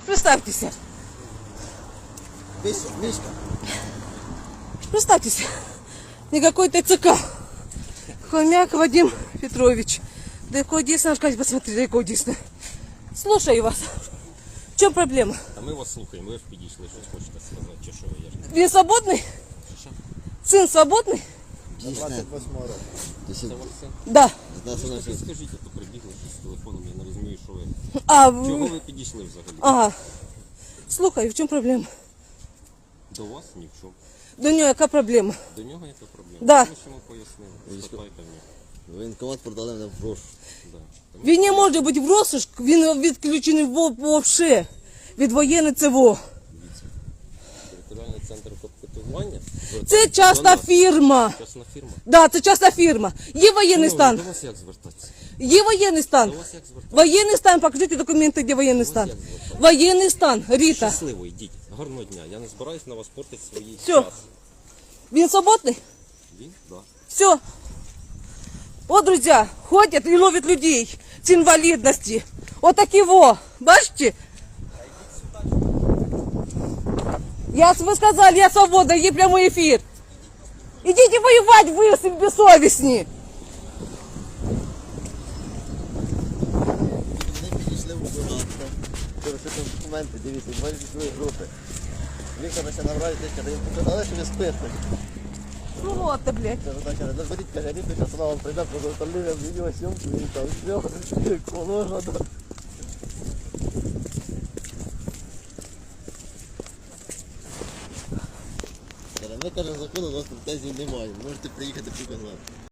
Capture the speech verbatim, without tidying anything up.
Представьтесь. Мишка. Представьтесь. Никакой ТЦК. Хомяк Вадим Петрович. Далеко дійсно, Аркадій, посмотри, далеко дійсно. Слушаю вас. В чому проблема? А ми вас слухаємо, ви ж підійшли, щось хочете сказати, чи що ви я ж не Він свободний? Син свободний? двадцять восьмого року. Це ваш син? Да. Ви ж таки скажіть, а то прибігли з телефоном, я не розумію, що ви. А, Чого в- ви підійшли взагалі? ага. Слухаю, в чому проблема? До вас ні в чому. До нього яка проблема? До нього яка проблема? Да. Ми ж йому пояснили, спитайте в нього. Воєнкомат продали мене в грош. Да. Тому Він не може бути в розшук, він відключений вовше від воєнної ЦВО. Територіальний центр комплектування. Це частна фірма. Частна фірма. Да, це частна фірма. Є воєнний Шановні, стан. До вас як звертатися? Є воєнний стан. До вас як звертатися? Воєнний стан, покажіть документи, де воєнний стан. як звертатися? Воєнний стан, Ріта. Щасливо, йдіть. Гарного дня. Я не збираюсь на вас портити свої Всьо. час. Він свободний? Він? Да. Все. Вот, друзья, ходят и ловят людей с инвалидности. Вот такие во, бачите? Я, вы сказали, я свободна, є прямой эфир. Идите воевать, вы бессовестні. Вони підійшли в губернатор. Це документи, дивіться, два військові групи. Віктор ще набрали, каже, їм показали, що ви спите. Ну вот ты, блядь. Каже, так, каже, наберіть, каже, Ріту, зараз вона вам прийде, приготовлює відеосйомку і там все, положено. Каже, ми, каже, закону у нас претензій немає, можете приїхати показати.